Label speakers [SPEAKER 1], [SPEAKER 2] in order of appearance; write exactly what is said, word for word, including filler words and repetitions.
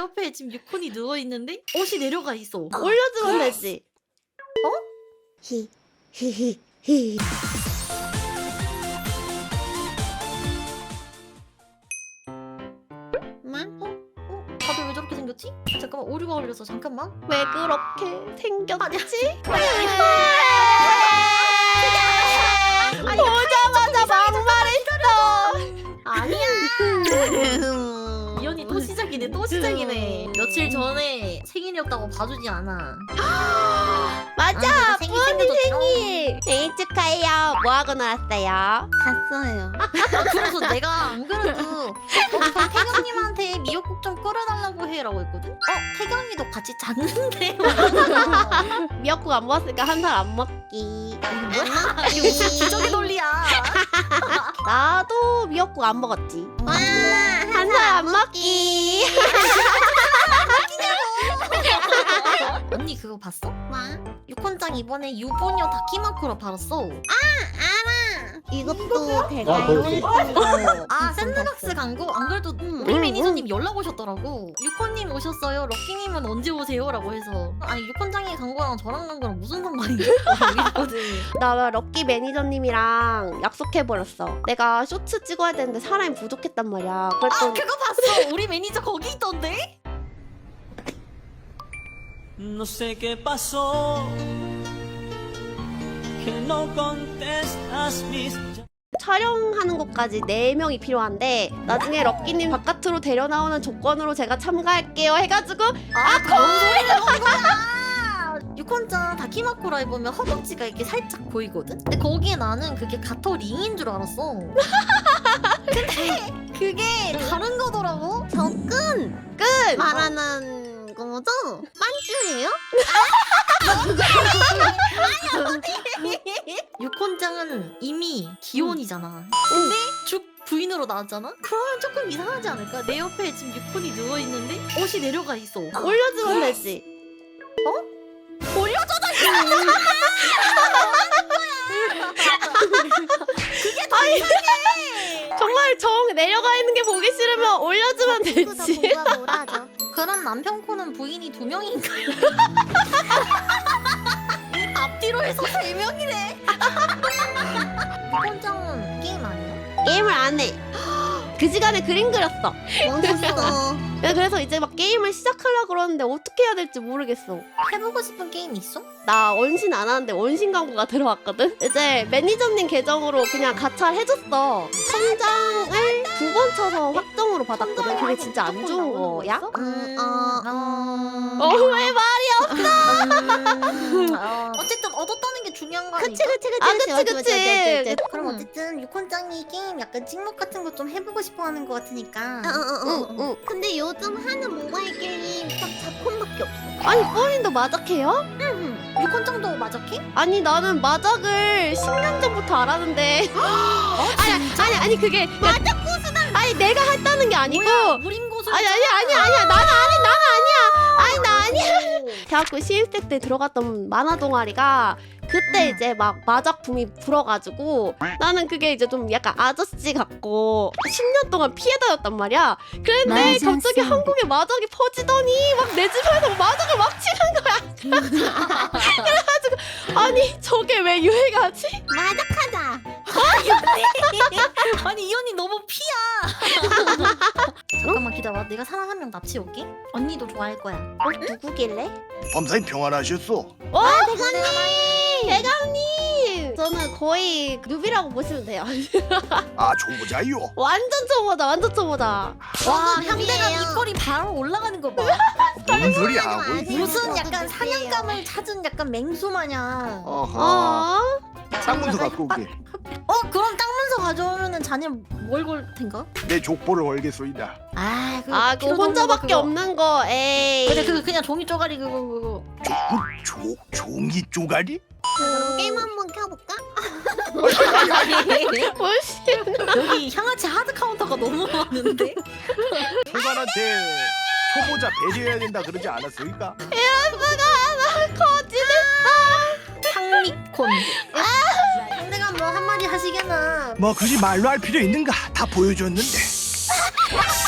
[SPEAKER 1] 옆에 지금 유콘이 누워있는데 옷이 내려가 있어.
[SPEAKER 2] 올려주면 되지.
[SPEAKER 1] 어?
[SPEAKER 2] 히 히히 히.
[SPEAKER 1] 다들 왜 저렇게 생겼지? 아, 잠깐만 오류가 걸려서 잠깐만.
[SPEAKER 2] 왜 그렇게 생겼지?
[SPEAKER 1] 아니,
[SPEAKER 2] 보자마자 막말했어.
[SPEAKER 1] 아니야. 이 언니 또 시작이네 또 시작이네. 며칠 전에 생일이었다고 봐주지 않아.
[SPEAKER 2] 맞아.
[SPEAKER 1] 아, 생일
[SPEAKER 2] 뿌언니
[SPEAKER 1] 챙겨줬죠?
[SPEAKER 2] 생일. 생일 축하해요. 뭐 하고 놀았어요?
[SPEAKER 3] 갔어요.
[SPEAKER 1] 아, 그래서 내가 안 그래도 어, 그럼 태경님한테 미역국 좀 끓여달라고 해라고 했거든? 어? 태경이도 같이 잤는데?
[SPEAKER 2] 미역국 안 먹었으니까 한 살 안 먹기.
[SPEAKER 1] 뭐야? 이거 무슨 기적의 논리야.
[SPEAKER 2] 나도 미역국 안 먹었지.
[SPEAKER 3] 와,
[SPEAKER 2] 한 살 안 먹기.
[SPEAKER 1] 언니 그거 봤어?
[SPEAKER 3] 와,
[SPEAKER 1] 유콘짱 이번에 유부녀 다키마크로 받았어.
[SPEAKER 3] 이것도 대가
[SPEAKER 4] 아, 그렇지.
[SPEAKER 1] 아 샌드박스 광고? 안 그래도 우리
[SPEAKER 2] 응,
[SPEAKER 1] 매니저님 연락 오셨더라고. 유콘님 오셨어요. 럭키님은 언제 오세요? 라고 해서 아니 유콘짱이 광고랑 저랑 광고랑 무슨 상관이야? 이랬거든.
[SPEAKER 2] 나 럭키 매니저님이랑 약속해버렸어. 내가 쇼츠 찍어야 되는데 사람이 부족했단 말이야.
[SPEAKER 1] 아
[SPEAKER 2] 그랬더니
[SPEAKER 1] 그거 봤어. 우리 매니저 거기 있던데?
[SPEAKER 5] No sé qué pasó, que no contestas mis
[SPEAKER 2] 촬영하는 것까지 네 명이 필요한데 나중에 럭키님 바깥으로 데려 나오는 조건으로 제가 참가할게요 해가지고
[SPEAKER 1] 아 그런 소리를 하는 거야. 유콘짱 다키마코라에 보면 허벅지가 이렇게 살짝 보이거든? 근데 거기에 나는 그게 가터 링인 줄 알았어. 근데 그게 다른 거더라고.
[SPEAKER 3] 접근
[SPEAKER 2] 끝!
[SPEAKER 3] 말하는 거죠? 만주예요?
[SPEAKER 1] 유콘짱은 이미 기혼이잖아. 근데 죽 부인으로 나왔잖아? 그러면 조금 이상하지 않을까? 내 옆에 지금 유콘이 누워있는데 옷이 내려가 있어.
[SPEAKER 2] 올려주면 되지.
[SPEAKER 1] 그게 더 이상해!
[SPEAKER 2] 정말 정 내려가 있는 게 보기 싫으면 올려주면 되지.
[SPEAKER 3] 공부가 뭐라죠?
[SPEAKER 1] 그럼 남편 코는 부인이 두 명인가요? 앞뒤로 해서 세 명이네. 유콘짱은 게임 아니야?
[SPEAKER 2] 게임을 안 해. 그 시간에 그림 그렸어.
[SPEAKER 3] 멋있어.
[SPEAKER 2] 그래서 이제 막 게임을 시작하려고 그러는데 어떻게 해야 될지 모르겠어.
[SPEAKER 1] 해보고 싶은 게임 있어?
[SPEAKER 2] 나 원신 안 하는데 원신 광고가 들어왔거든? 이제 매니저님 계정으로 그냥 가차를 해줬어. 천장을 두 번 쳐서 확정으로 받았거든. 그게 진짜 안 좋은 거야?
[SPEAKER 3] 음, 어, 음.
[SPEAKER 2] 어, 왜 말이야?
[SPEAKER 1] 음, 어, 어쨌든 얻었다는 게 중요한 거 아니야?
[SPEAKER 3] 그치 그치 그치
[SPEAKER 2] 아, 그치,
[SPEAKER 3] 맞지,
[SPEAKER 2] 그치.
[SPEAKER 3] 맞지, 맞지, 맞지.
[SPEAKER 1] 그럼
[SPEAKER 2] 음.
[SPEAKER 1] 어쨌든 유콘짱이 게임 약간 찍먹 같은 거 좀 해보고 싶어하는 거 같으니까
[SPEAKER 3] 어, 어, 어, 어.
[SPEAKER 2] 응, 응.
[SPEAKER 3] 근데 요즘 하는 모바일 게임 딱 잡콘밖에 없어.
[SPEAKER 2] 아니, 뽀린도 마작해요?
[SPEAKER 1] 유콘짱도 마저해?
[SPEAKER 2] 아니, 나는 마작을 십 년 전부터 알았는데. 아니, 아니, 아니, 그게. 마작 고수다! 아니, 내가 했다는 게 아니고.
[SPEAKER 1] 무림 고수
[SPEAKER 2] 아니, 아니, 아니, 아니야. 나는 아니, 나는 아니야. 아니, 나 아니야. 대학교 신입생 때 들어갔던 만화 동아리가 그때
[SPEAKER 1] 음.
[SPEAKER 2] 이제 막 마작 붐이 불어가지고 나는 그게 이제 좀 약간 아저씨 같고 십 년 동안 피해 다녔단 말이야. 그런데
[SPEAKER 3] 맞아,
[SPEAKER 2] 갑자기
[SPEAKER 3] 쌤.
[SPEAKER 2] 한국에 마작이 퍼지더니 막 내 주변에서 마작을 막 치는 거야. 그래가지고 아니 저게 왜 유행하지?
[SPEAKER 3] 마작하자.
[SPEAKER 1] 아니 이 언니 너무 피야. 잠깐만 기다려. 내가 사람 한 명 납치 올게. 언니도 좋아할 거야.
[SPEAKER 2] 어? 누구길래?
[SPEAKER 4] 범사님 평안하셨어?
[SPEAKER 2] 어? 대감님! 대감님! 저는 거의 누비라고 보시면 돼요.
[SPEAKER 4] 아 초보자요.
[SPEAKER 2] 완전 초보다 완전 초보다.
[SPEAKER 1] 와
[SPEAKER 3] 저도
[SPEAKER 1] 현대가
[SPEAKER 3] 누비예요.
[SPEAKER 1] 입꼬리 바로 올라가는 거 봐.
[SPEAKER 4] 무슨 소리 하고
[SPEAKER 3] 아세요?
[SPEAKER 4] 있어?
[SPEAKER 1] 무슨
[SPEAKER 3] 저도
[SPEAKER 1] 약간
[SPEAKER 3] 누비예요.
[SPEAKER 1] 사냥감을 찾은 약간 맹수 마냥. 어,
[SPEAKER 4] 어허.
[SPEAKER 2] 어?
[SPEAKER 4] 쌍문서 갖고 오게.
[SPEAKER 1] 그럼 땅 문서 가져오면은 자네 뭘 걸 텐가?
[SPEAKER 4] 내 족보를 걸겠소이다.
[SPEAKER 1] 아 그거
[SPEAKER 2] 아 그거
[SPEAKER 1] 필요도
[SPEAKER 2] 혼자밖에
[SPEAKER 1] 그거.
[SPEAKER 2] 없는 거. 에이.
[SPEAKER 1] 근데 그거 그냥 종이 쪼가리 그거 그거.
[SPEAKER 4] 조, 종이 쪼가리?
[SPEAKER 3] 그럼 게임 한번 켜볼까?
[SPEAKER 2] 뭘씨?
[SPEAKER 1] 여기 향아치 하드 카운터가 너무 많은데?
[SPEAKER 4] 초반한테 초보자 배려해야 된다 그러지 않았습니까?
[SPEAKER 2] 거지네.
[SPEAKER 1] 향미콘. 상대가 뭐 한마디 하시겠나?
[SPEAKER 4] 뭐 굳이 말로 할 필요 있는가? 다 보여줬는데.